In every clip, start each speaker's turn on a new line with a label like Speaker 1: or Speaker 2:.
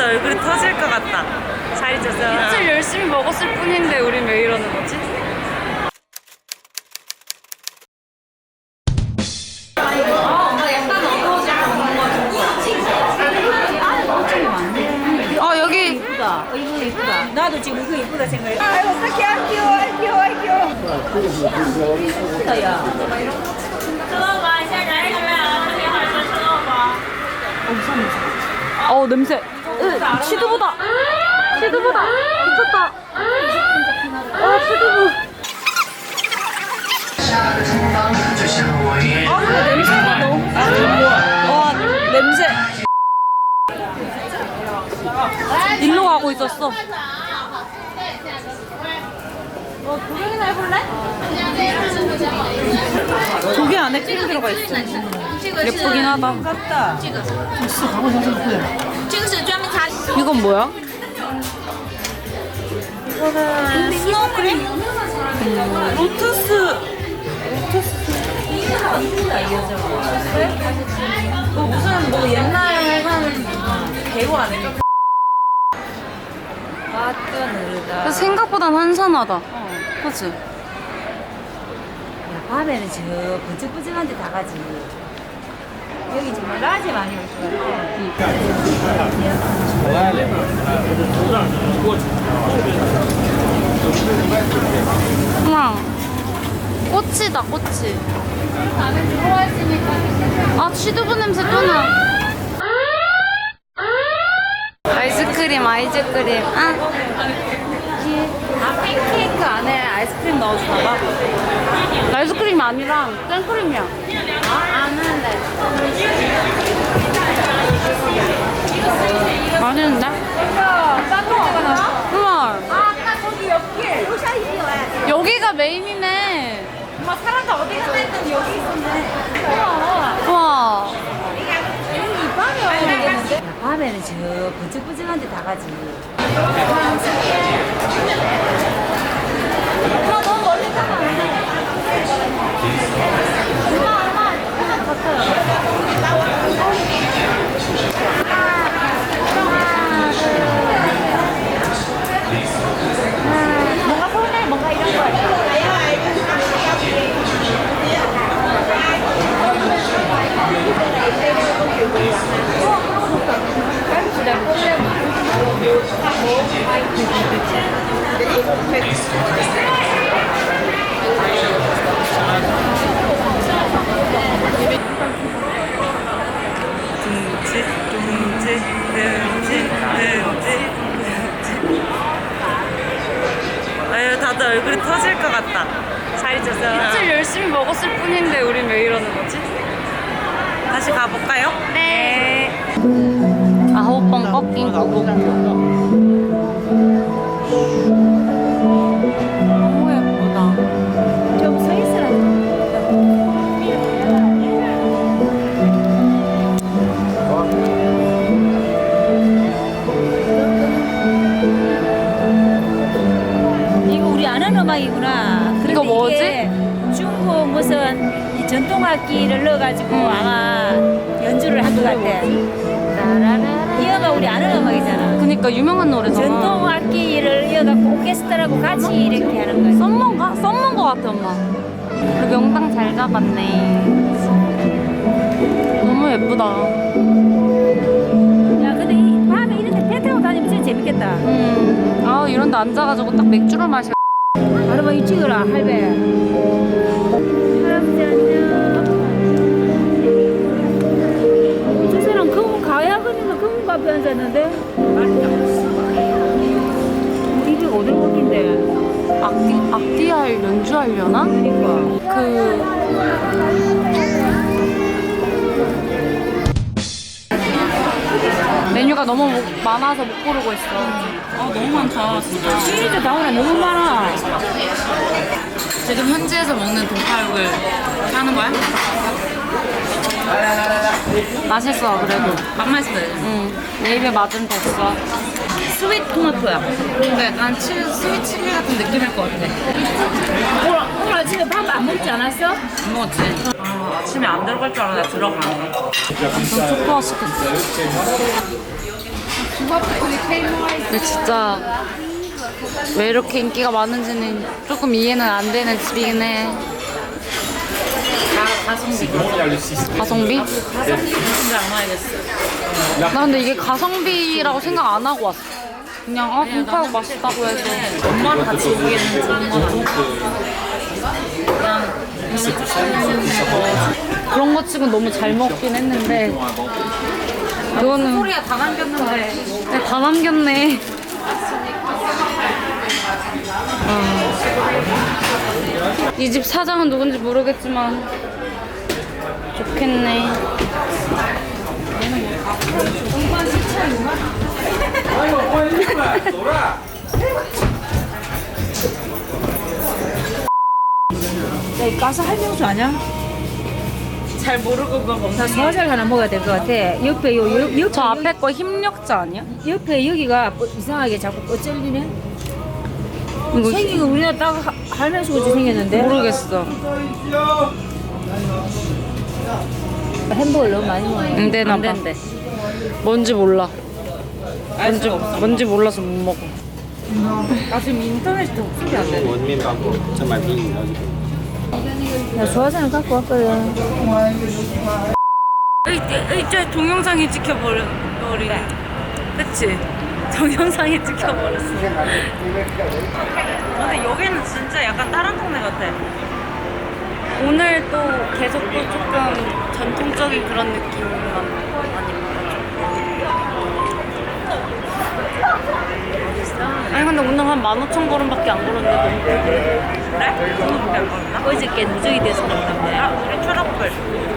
Speaker 1: 얼굴이 터질 것 같다. 살이 쪄서.
Speaker 2: 술 열심히 먹었을 뿐인데 우린 왜 이러는 거지? 여기
Speaker 3: 이쁘다. 이거 이쁘다. 나도 지금 이거 이쁘다 생각해. 아이고 어떡해. 안 귀여워. 안 귀여워. 안 귀여워. 이쁘다 야.
Speaker 2: 냄새. 치두부다. 치두부다. 미쳤다. 치두부. 냄새가 너무. 와 냄새. 일로 가고 있었어. 구경이나 해볼래? 조개 안에 찌개 들어가 있어. 예쁘긴 하다.
Speaker 3: 깜다.
Speaker 2: 이건 뭐야?
Speaker 1: 이거는 스노우크림? 로투스. 무슨 뭐 옛날 한 배우 아닐까?
Speaker 3: 맛도 느르다.
Speaker 2: 생각보단 한산하다. 그치?
Speaker 3: 밤에는 저 번쩍번쩍한 데 다 가지. 여기 정말 낮에 많이 올 것 같아.
Speaker 2: 우와. 꽃이다, 꽃이. 치두부 냄새 또 나. 아이스크림.
Speaker 3: 팬케이크 안에 아이스크림 넣어주나봐.
Speaker 2: 아이스크림이 아니라 생크림이야.
Speaker 3: 아는데.
Speaker 2: 맛있는데? 우와.
Speaker 3: 아까 저기 옆에
Speaker 2: 여기가 메인이네.
Speaker 3: 엄마 사람들 어디 있어 했더니 여기 있었네.
Speaker 2: 우와.
Speaker 3: 밤에는 저 번쩍번쩍한 데 다 가지. 너무 멀리 가면 안 돼. 뭔가 서운해, 뭔가 이런 거.
Speaker 1: 아유, 다들 얼굴이 터질 것 같다. 살이 쪄서.
Speaker 2: 술 열심히 먹었을 뿐인데 우린 왜 이러는 거지?
Speaker 1: 다시 가볼까요?
Speaker 2: 네. 9번 꺾인 거고. 너무 예쁘다.
Speaker 3: 좀 서 있으라. 이거 우리 아는 음악이구나. 그런데
Speaker 2: 이거 뭐지?
Speaker 3: 이게 중국 무슨 이 전통 악기를 넣어가지고 아마 연주를 한 것 같아. 이 음악 우리 아는 음악이잖아.
Speaker 2: 그니까 유명한 노래잖아.
Speaker 3: 전통 악기를 이어갖고 오케스트라하고 같이 이렇게 하는 거야.
Speaker 2: 썸머인가? 썸머인 거 같아 엄마. 우리 명당 잘 잡았네. 너무 예쁘다.
Speaker 3: 야, 근데 이 밤에 이런 데배 타고 다니면 진짜 재밌겠다.
Speaker 2: 이런 데 앉아가지고 딱 맥주를 마셔.
Speaker 3: 바로 이 찍어라, 할배. 할아버지 안녕. 저 사람 검은 가야근인가 검은 카페 앉았는데? 입이 어딜 먹긴데?
Speaker 2: 악기할 연주하려나?
Speaker 3: 그러니까.
Speaker 2: 메뉴가 너무 많아서 못 고르고 있어.
Speaker 1: 너무 많다. 진짜.
Speaker 3: 시리즈 나오나 너무 많아.
Speaker 2: 지금 현지에서 먹는 동파육을 하는 거야? 맛있어 그래도.
Speaker 1: 맛맛있어요.
Speaker 2: 응. 내 입에 맞으면 됐어.
Speaker 1: 스윗 토마토야.
Speaker 2: 근데 약간 스윗 칠리 같은 느낌일 것 같아.
Speaker 3: 오늘 아침에 밥 안 먹지 않았어?
Speaker 1: 안 먹었지? 아침에 안 들어갈 줄 알았는데 들어가네.
Speaker 2: 완전 초코화 시켰어. 근데 진짜 왜 이렇게 인기가 많은지는 조금 이해는 안 되는 집이긴 해.
Speaker 1: 가성비.
Speaker 2: 가성비?
Speaker 1: 가성비 무슨 줄 알아야겠어.
Speaker 2: 나 근데 이게 가성비라고 생각 안 하고 왔어. 그냥 동파육 맛있다고 해서.
Speaker 1: 엄마랑 같이 오기에는 좋은 거 같아. 그냥
Speaker 2: 그런 거 치고 너무 잘 먹긴 했는데 이거는
Speaker 1: 소리가 다 남겼는데.
Speaker 2: 네, 다 남겼네. 이 집 사장은 누군지 모르겠지만 좋겠네.
Speaker 3: 야, 이 가스 할명수 아니야?
Speaker 1: 잘 모르고 그거 먹는
Speaker 3: 나 소화제를 하나 먹어야 될 것 같아. 옆에 옆에
Speaker 2: 저 앞에 거 힘력자 아니야?
Speaker 3: 옆에 여기가 이상하게 자꾸 뻗질리네.
Speaker 2: 이거
Speaker 3: 생긴 거 우리나라 딱 할명수 같이 생겼는데.
Speaker 2: 모르겠어.
Speaker 3: 햄버거 너무 많이 먹어.
Speaker 2: 안 되나
Speaker 1: 안
Speaker 2: 봐.
Speaker 1: 된대.
Speaker 2: 뭔지 몰라.
Speaker 1: 알 수가 없어.
Speaker 2: 뭔지 몰라서 못 먹어.
Speaker 1: 나 지금 인터넷이 더 없으면 안 돼.
Speaker 4: 我面包过，再买瓶饮料就可以。
Speaker 3: 나 소화제는 갖고 왔거든.
Speaker 2: 이제 동영상이 찍혀버리네. 그치? 동영상이 찍혀버렸어.
Speaker 1: 근데 여기는 진짜 약간 다른 동네 같아.
Speaker 2: 오늘 또 계속 또 조금 전통적인 그런 느낌만 많이 아니 근데 오늘 한 15,000걸음밖에 안 걸었는데 너무 그래?
Speaker 1: 그래? 그거밖에 안 걸었나?
Speaker 3: 어저께 누적이 돼서 그런데.
Speaker 1: 아, 우리 트러플.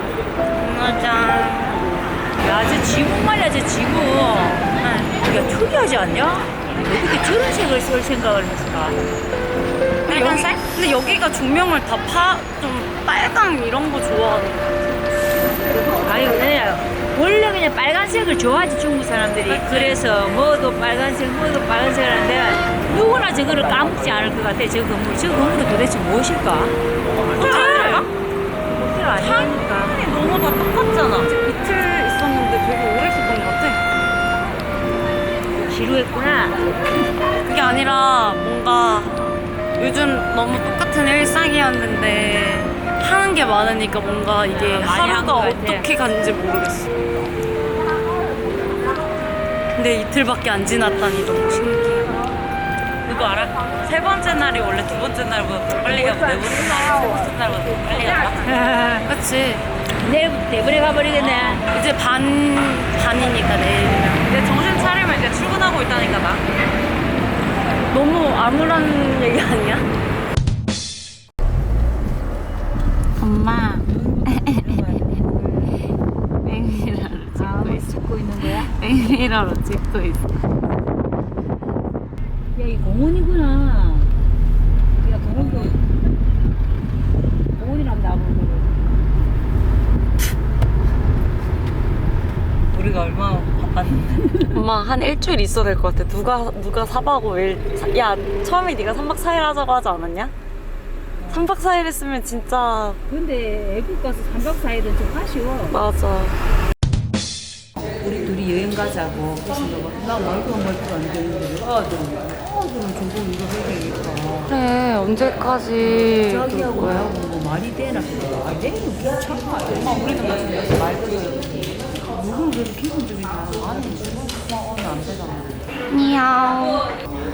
Speaker 2: 짜잔.
Speaker 3: 야, 저 지붕 말이야, 저 지붕. 야, 특이하지 않냐? 어떻게 저런 색을 쓸 생각을 했을까?
Speaker 2: 빨간색? 근데 여기가 조명을 다 좀 빨강 이런 거 좋아하는 거
Speaker 3: 아니, 그냥 원래 그냥 빨간색을 좋아하지, 중국 사람들이. 그래서 뭐도 빨간색 하는데 누구나 저거를 까먹지 않을 것 같아, 저 건물. 저 건물은 도대체 무엇일까?
Speaker 2: 호텔!
Speaker 3: 호텔 아니니까.
Speaker 2: 아니 너무 다 똑같잖아. 이틀 있었는데 되게 오래 있었던 것 같아.
Speaker 3: 지루했구나.
Speaker 2: 그게 아니라 뭔가 요즘 너무 똑같은 일상이었는데 하는 게 많으니까 뭔가 이게
Speaker 3: 많이 한것
Speaker 2: 하루가
Speaker 3: 같아.
Speaker 2: 어떻게 갔는지 모르겠어. 근데 이틀밖에 안 지났다니 너무 신기해.
Speaker 1: 그거 알아? 세 번째 날이 원래 두 번째 날보다 더 빨리 가고 네 번째 날이 세 번째 날보다 더 빨리 간다?
Speaker 2: 그치?
Speaker 3: 내일부터 내버려 가버리겠네.
Speaker 2: 이제 반이니까 내일이면.
Speaker 1: 근데 정신 차리면 이제 출근하고 있다니까 나.
Speaker 2: 너무 암울한 얘기 아니야? 엄마 맹미라로
Speaker 3: 찍고 있는 거야?
Speaker 2: 맹미라로 찍고 있어.
Speaker 3: 야, 이 공원이구나. 야, 공원이라면 나보고.
Speaker 1: 우리가 얼마나 바빴는데.
Speaker 2: 엄마 한 일주일 있어야 될 것 같아. 누가 4박 5일. 야 처음에 네가 3박 4일 하자고 하지 않았냐? 3박 4일 했으면 진짜.
Speaker 3: 근데 애국 가서 3박 4일은 좀 아쉬워.
Speaker 2: 맞아.
Speaker 3: 우리 둘이 여행 가자고. 그래서 나 말도 안 되는데. 아들은 저거 이거 해야 되겠다.
Speaker 2: 그래 언제까지 그럴
Speaker 3: 자기하고
Speaker 2: 거야?
Speaker 3: 나하고 뭐 말이 되나? 아, 내일은 괜찮아. 엄마, 우리는 무슨 말도 누군 그래도 기본적이다. 아니, 오늘 안 되잖아.
Speaker 2: 미야오.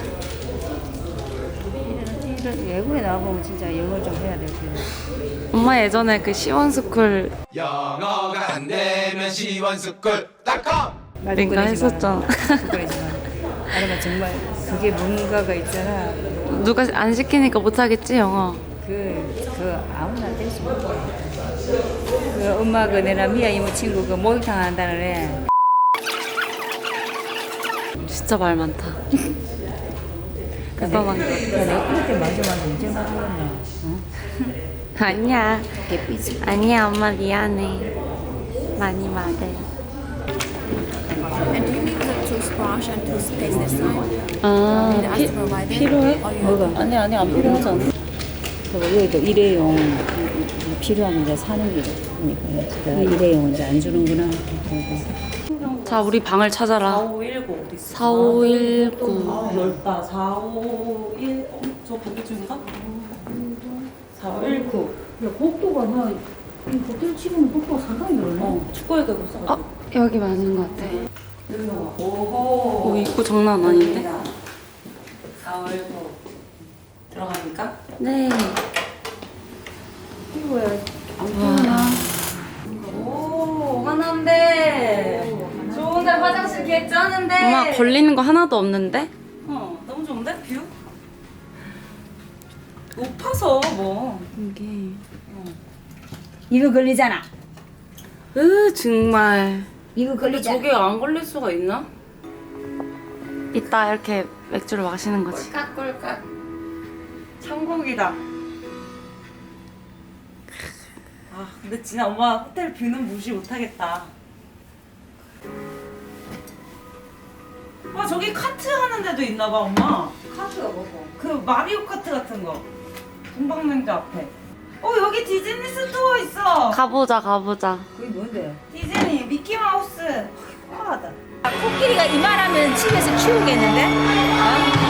Speaker 3: 이런 외국에 나가보면 진짜 영어를 좀 해야 될 텐데.
Speaker 2: 엄마 예전에 그 시원스쿨
Speaker 4: 영어가 안 되면 시원스쿨.com
Speaker 2: 링가 했었잖아.
Speaker 3: 그러지만 아니면 정말 그게 뭔가가 있잖아.
Speaker 2: 누가 안 시키니까 못하겠지 영어.
Speaker 3: 그 아무나 될 수 없어. 그 엄마 그 내나 미아 이모 친구 그 목욕탕 한다는 애.
Speaker 2: 진짜 말 많다. 대단한 거.
Speaker 3: 내가 그때 맞아 언제 맞았나?
Speaker 2: 아니야.
Speaker 3: 개삐지.
Speaker 2: 아니야 엄마 미안해. 많이 말해.
Speaker 5: And do you need the toothbrush and toothpaste this time?
Speaker 2: 아
Speaker 5: Ask to provide it?
Speaker 2: 필요해?
Speaker 3: 뭐가?
Speaker 2: 아니 안 필요하지 않아.
Speaker 3: 여기도 일회용 필요하면 이제 사는 게 그러니까 내가 일회용 이제 안 주는구나. 그리고
Speaker 2: 자, 우리 방을 찾아라.
Speaker 1: 4519 어디 있어?
Speaker 2: 4519.
Speaker 1: 아, 넓다. 451. 저 반대쪽인가? 4519.
Speaker 3: 야, 복도가 나 호텔 치고는 복도가 상당히 넓네.
Speaker 1: 축구에 가고 있어.
Speaker 2: 여기 맞는 것 같아.
Speaker 1: 오호.
Speaker 2: 오, 입구 장난 아닌데?
Speaker 1: 419. 들어갑니까?
Speaker 2: 네.
Speaker 1: 오, 하나인데. 좋은데 화장실 개쩌는데.
Speaker 2: 엄마 걸리는 거 하나도 없는데?
Speaker 1: 너무 좋은데 뷰? 높아서 뭐.
Speaker 2: 이게.
Speaker 3: 이거 걸리잖아.
Speaker 2: 정말.
Speaker 3: 이거
Speaker 2: 근데
Speaker 3: 걸리잖아.
Speaker 2: 저게 안 걸릴 수가 있나? 이따 이렇게 맥주를 마시는 거지.
Speaker 1: 꿀깍꿀깍. 천국이다. 아, 근데 진짜 엄마 호텔 뷰는 무시 못하겠다. 와, 저기 카트 하는 데도 있나봐, 엄마.
Speaker 3: 카트가 뭐고?
Speaker 1: 그 마리오 카트 같은 거. 동방냉주 앞에. 여기 디즈니 스토어 있어.
Speaker 2: 가보자, 가보자.
Speaker 3: 그게 뭔데?
Speaker 1: 디즈니 미키마우스. 화하다.
Speaker 3: 코끼리가 이만하면 집에서 키우겠는데? 어?